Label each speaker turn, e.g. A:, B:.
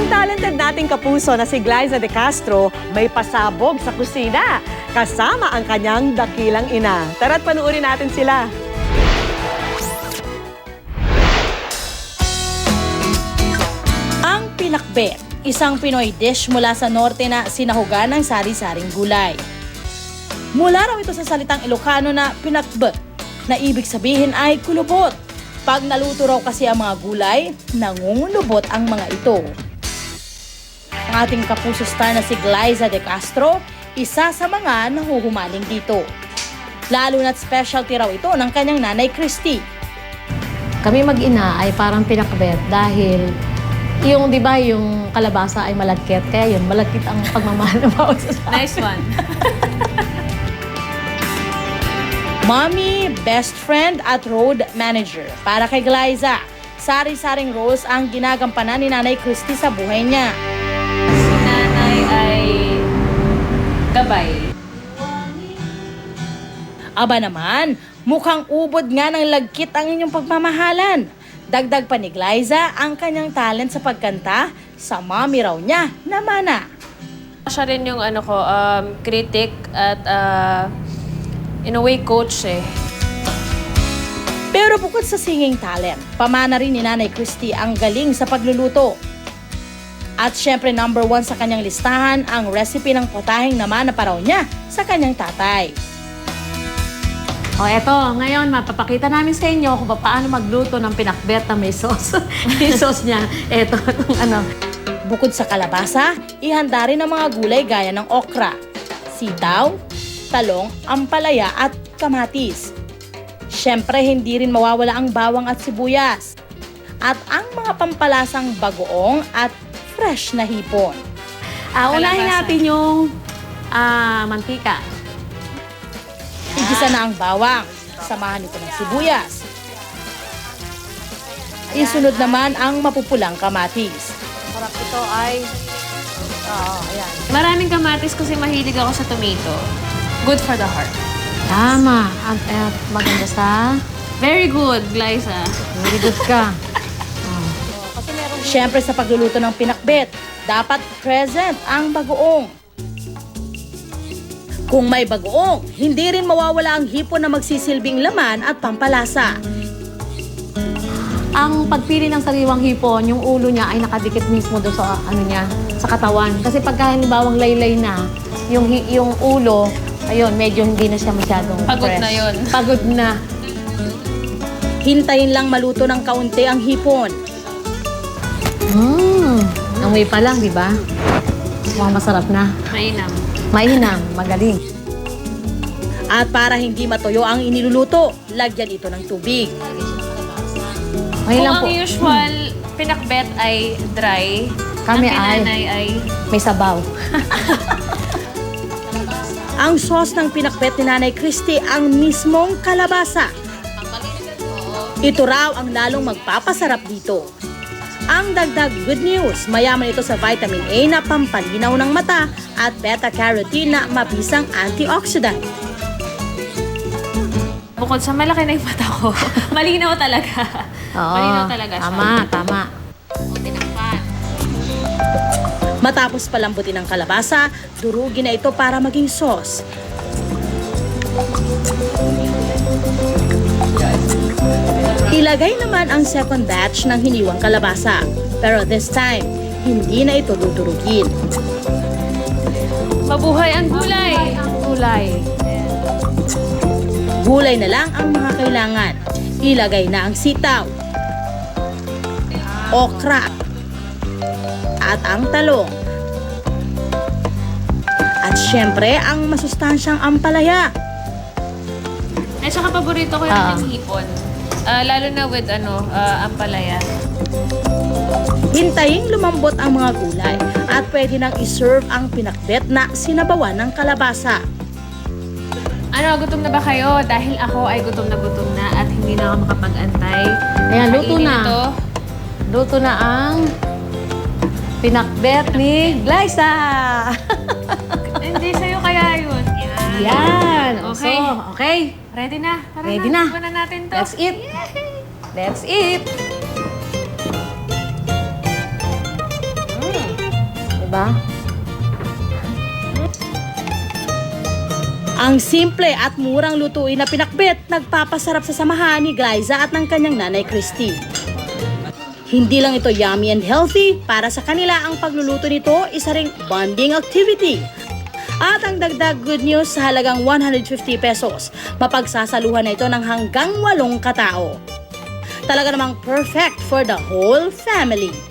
A: Ang talented nating kapuso na si Glyza De Castro may pasabog sa kusina kasama ang kanyang dakilang ina. Tara't panuorin natin sila.
B: Ang pinakbet, isang Pinoy dish mula sa norte na sinahugan ng sari-saring gulay. Mula raw ito sa salitang Ilocano na pinakbet, na ibig sabihin ay kulubot. Pag naluto raw kasi ang mga gulay, nangungulubot ang mga ito. Ang ating kapuso star na si Glyza De Castro, isa sa mga nahuhumaling dito. Lalo na't specialty raw ito ng kanyang nanay Christy.
C: Kami mag-ina ay parang pinakbet dahil yung, di ba, yung kalabasa ay malagkit. Kaya yun, malagkit ang pagmamahal ng bawat isa.
D: Nice one.
B: Mommy, best friend at road manager. Para kay Glyza, sari-saring roles ang ginagampanan ni Nanay Christy sa buhay niya.
D: Si nanay ay gabay.
B: Aba naman, mukhang ubod nga ng lagkit ang inyong pagmamahalan. Dagdag pa ni Glyza ang kanyang talent sa pagkanta sa mommy raw niya na mana.
D: Siya rin yung critic at in a way coach eh.
B: Pero bukod sa singing talent, pamana rin ni Nanay Christy ang galing sa pagluluto. At syempre number 1 sa kanyang listahan ang recipe ng potaheng naman na paraw niya sa kanyang tatay.
C: O eto, ngayon mapapakita namin sa inyo kung paano magluto ng pinakbet na may sauce. Yung sauce niya, eto, itong ano.
B: Bukod sa kalabasa, ihanda rin ang mga gulay gaya ng okra, sitaw, talong, ampalaya at kamatis. Siyempre, hindi rin mawawala ang bawang at sibuyas. At ang mga pampalasang bagoong at fresh na hipon.
C: Unahin
D: Kalabasa.
C: natin yung mantika.
B: Igisa na ang bawang. Samahan ito ng sibuyas. Isunod naman ang mapupulang kamatis.
C: Sarap ito ay... ayan.
D: Maraming kamatis kasi mahilig ako sa tomato. Good for the heart.
C: Tama. At maganda sa...
D: Very good, Glyza.
C: Very good ka.
B: Siyempre sa pagluluto ng pinakbet, dapat present ang bagoong. Kung may bagoong, hindi rin mawawala ang hipon na magsisilbing laman at pampalasa.
C: Ang pagpili ng sariwang hipon, yung ulo niya ay nakadikit mismo doon sa ano niya, sa katawan. Kasi pagka halimbawang laylay na, yung ulo, ayun, medyo hindi na siya masyadong
D: Pagod
C: fresh.
D: na yun.
C: Pagod na.
B: Hintayin lang maluto ng kaunti ang hipon.
C: Amoy pa lang, di ba? Mukhang masarap na.
D: Mainam.
C: Mainam, magaling.
B: At para hindi matuyo ang iniluluto, lagyan ito ng tubig.
C: Ngayon
D: Kung
C: lang
D: ang
C: po,
D: usual pinakbet ay dry,
C: Kami
D: ang kinanay ay
C: may sabaw.
B: Ang sauce ng pinakbet ni Nanay Christy ang mismong kalabasa. Ito raw ang lalong magpapasarap dito. Ang dagdag good news, mayaman ito sa vitamin A na pampalinaw ng mata at beta-carotene na mabisang antioxidant.
D: bukod sa malaki na yung mata ko, malinaw talaga.
C: Oo,
D: Malinaw talaga siya.
C: tama.
B: Matapos palambutin ang kalabasa, durugin na ito para maging sauce. Ilagay naman ang second batch ng hiniwang kalabasa. Pero this time, hindi na ito dudurugin.
D: Mabuhay ang gulay!
C: Ang gulay.
B: Gulay na lang ang mga kailangan. Ilagay na ang sitaw, okra, at ang talong. At syempre, ang masustansyang ampalaya.
D: At saka paborito ko yung hipon. Lalo na with ampalaya.
B: Hintaying lumambot ang mga gulay at pwede nang iserve ang pinakbet na sinabawan ng kalabasa.
D: Gutom na ba kayo? Dahil ako ay gutom na at hindi na ako makapag-antay.
C: Ayan, luto
D: Kainin
C: na.
D: ito.
C: Luto na ang pinakbet ni Glyza.
D: Hindi sa'yo kaya yun.
C: Yan.
D: Okay.
C: So, okay.
D: Ready na. Tara
C: Ready
D: na.
C: na.
D: Iwan na natin to.
C: Let's eat. Let's eat. ba?
B: Ang simple at murang lutuin na pinakbet nagpapasarap sa samahan ni Glyza at ng kanyang nanay Christy. Hindi lang ito yummy and healthy, para sa kanila ang pagluluto nito isa ring bonding activity. At ang dagdag good news, sa halagang 150 pesos, mapagsasaluhan na ito ng hanggang 8 katao. Talaga namang perfect for the whole family.